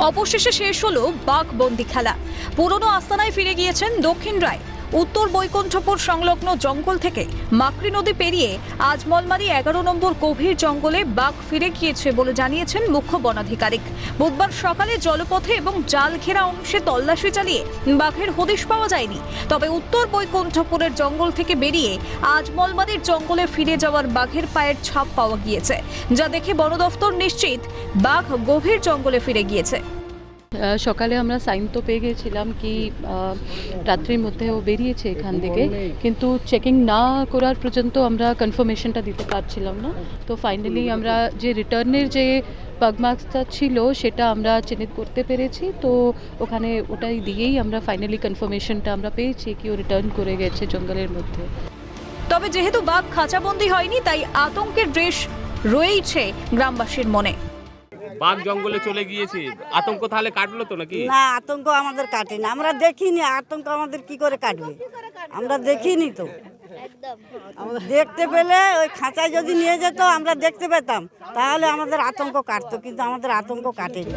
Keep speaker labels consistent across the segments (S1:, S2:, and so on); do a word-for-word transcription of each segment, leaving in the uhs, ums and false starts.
S1: অবশেষে শেষ হলো বাঘবন্দি খেলা। পুরনো আস্তানায় ফিরে গিয়েছেন দক্ষিণ রায়। উত্তর বৈকুণ্ঠপুর সংলগ্ন জঙ্গল থেকে মাকড়ি নদী পেরিয়ে আজমলমারি এগারো নম্বর গভীর জঙ্গলে বাঘ ফিরে গিয়েছে বলে জানিয়েছেন মুখ্য বনাধিকারিক। বুধবার সকালে জলপথে এবং জাল ঘেরা অংশে তল্লাশি চালিয়ে বাঘের হদিশ পাওয়া যায়নি। তবে উত্তর বৈকুণ্ঠপুরের জঙ্গল থেকে বেরিয়ে আজমলমারির জঙ্গলে ফিরে যাওয়ার বাঘের পায়ের ছাপ পাওয়া গিয়েছে, যা দেখে বন দফতর নিশ্চিত বাঘ গভীর জঙ্গলে ফিরে গিয়েছে।
S2: সকালে আমরা সাইন তো পেয়ে গেছিলাম কি রাত্রির মধ্যে ও বেরিয়েছে এখান থেকে, কিন্তু চেকিং না করার পর্যন্ত আমরা কনফার্মেশনটা দিতে পারছিলাম না। তো ফাইনালি আমরা যে রিটার্নের যে বাগমার্কসটা ছিল সেটা আমরা চিহ্নিত করতে পেরেছি। তো ওখানে ওটাই দিয়েই আমরা ফাইনালি কনফার্মেশনটা আমরা পেয়েছি কি ও রিটার্ন করে গেছে জঙ্গলের মধ্যে।
S1: তবে যেহেতু বাঘ খাঁচাবন্দি হয়নি, তাই আতঙ্কের রেশ রয়েছে গ্রামবাসীর মনে।
S3: বাঘ জঙ্গলে চলে গিয়েছে, আতঙ্ক তাহলে কাটলো তো নাকি?
S4: না, আতঙ্ক আমাদের কাটেনি, আমরা দেখিনি। আতঙ্ক আমাদের কি করে কাটবে, আমরা দেখিনি তো। দেখতে পেলে ওই খাঁচায় যদি নিয়ে যেত আমরা দেখতে পেতাম, তাহলে আমাদের আতঙ্ক কাটতো, কিন্তু আমাদের আতঙ্ক কাটেনি।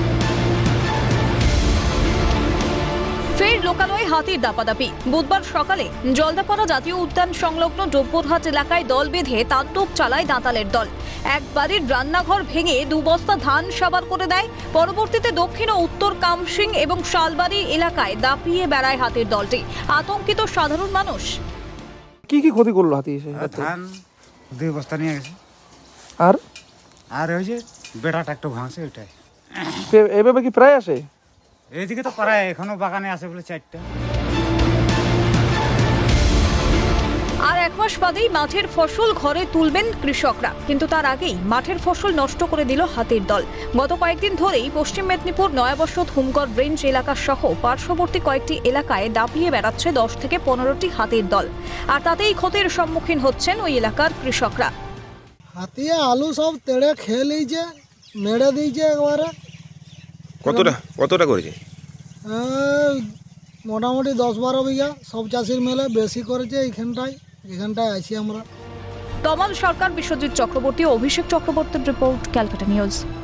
S1: ফের লোকালয়ে হাতির দাপাদাপি। বুধবার সকালে জলদাপাড়া জাতীয় উদ্যান সংলগ্ন ডোব্বরহাট এলাকায় দল বেঁধে তাণ্ডব চালায় দাঁতালের দল। এক বাড়ির রান্নাঘর ভেঙে দু বস্তা ধান সাবার করে দেয়। পরবর্তীতে দক্ষিণ ও উত্তর কামসিং এবং শালবাড়ি এলাকায় দাপিয়ে বেড়ায় হাতির দলটি। আতঙ্কিত সাধারণ মানুষ।
S5: কি কি ক্ষতি করলো হাতি এসে?
S6: ধান দুই বস্তা নিয়ে গেছে,
S5: আর
S6: আর ওই যে বেড়াটা একটু ভাঙছে ওইটাই।
S5: এ- এভাবে কি প্রায় আসে?
S6: এইদিকে তো প্রায় এখনো বাগানে আছে বলে চারটা।
S1: আর এক মাস বাদেই মাঠের ফসল ঘরে তুলবেন কৃষকরা, কিন্তু তার আগেই মাঠের ফসল নষ্ট করে দিল হাতির দল। গত কয়েকদিন ধরেই পশ্চিম মেদিনীপুর নয়াবসত হুমগড় রেঞ্জ এলাকা সহ পার্শ্ববর্তী কয়েকটি এলাকায় দাপিয়ে বেড়াচ্ছে দশ থেকে পনেরোটি হাতির দল। আর তাতেই ক্ষতির সম্মুখীন হচ্ছেন ওই এলাকার কৃষকরা।
S7: হাতিয়ে আলু সব তেড়ে খেয়ে নিয়েছে, মেরে দিয়েছে একবারে।
S8: কতটা কতটা করেছে?
S7: এই মোটামুটি দশ বারো বিঘা, সব চাষির মেলে বেশি করেছে এইখানটায়। এখানটায় আছি আমরা।
S1: তমাল সরকার, বিশ্বজিৎ চক্রবর্তী ও অভিষেক চক্রবর্তীর রিপোর্ট, ক্যালকাটা নিউজ।